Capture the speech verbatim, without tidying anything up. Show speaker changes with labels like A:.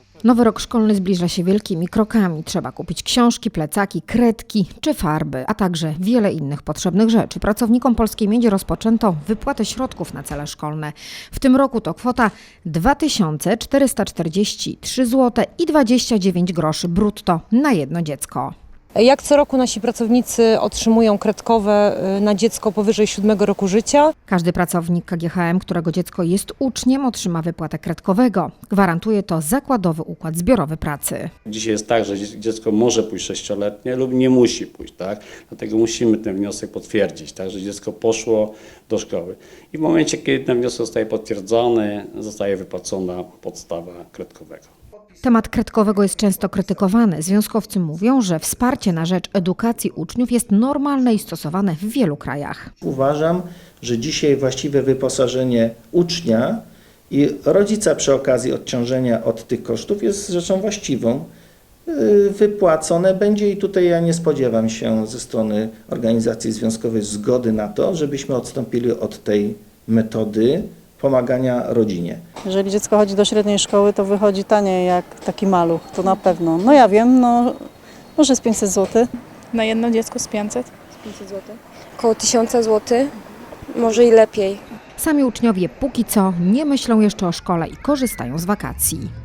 A: Nowy rok szkolny zbliża się wielkimi krokami. Trzeba kupić książki, plecaki, kredki czy farby, a także wiele innych potrzebnych rzeczy. Pracownikom Polskiej Miedzi rozpoczęto wypłatę środków na cele szkolne. W tym roku to kwota dwa tysiące czterysta czterdzieści trzy złote i dwadzieścia dziewięć groszy brutto na jedno dziecko.
B: Jak co roku nasi pracownicy otrzymują kredkowe na dziecko powyżej siódmego roku życia.
A: Każdy pracownik K G H M, którego dziecko jest uczniem, otrzyma wypłatę kredkowego. Gwarantuje to zakładowy układ zbiorowy pracy.
C: Dzisiaj jest tak, że dziecko może pójść sześcioletnie lub nie musi pójść, tak? Dlatego musimy ten wniosek potwierdzić, tak? Że dziecko poszło do szkoły. I w momencie, kiedy ten wniosek zostaje potwierdzony, zostaje wypłacona podstawa kredkowego.
A: Temat kredkowego jest często krytykowany. Związkowcy mówią, że wsparcie na rzecz edukacji uczniów jest normalne i stosowane w wielu krajach.
D: Uważam, że dzisiaj właściwe wyposażenie ucznia i rodzica przy okazji odciążenia od tych kosztów jest rzeczą właściwą. Wypłacone będzie i tutaj ja nie spodziewam się ze strony organizacji związkowej zgody na to, żebyśmy odstąpili od tej metody pomagania rodzinie.
E: Jeżeli dziecko chodzi do średniej szkoły, to wychodzi taniej jak taki maluch, to na pewno. No ja wiem, no może z pięćset złotych.
F: Na jedno dziecko z pięćset.
G: pięćset złotych. Około tysiąc złotych, może i lepiej.
A: Sami uczniowie póki co nie myślą jeszcze o szkole i korzystają z wakacji.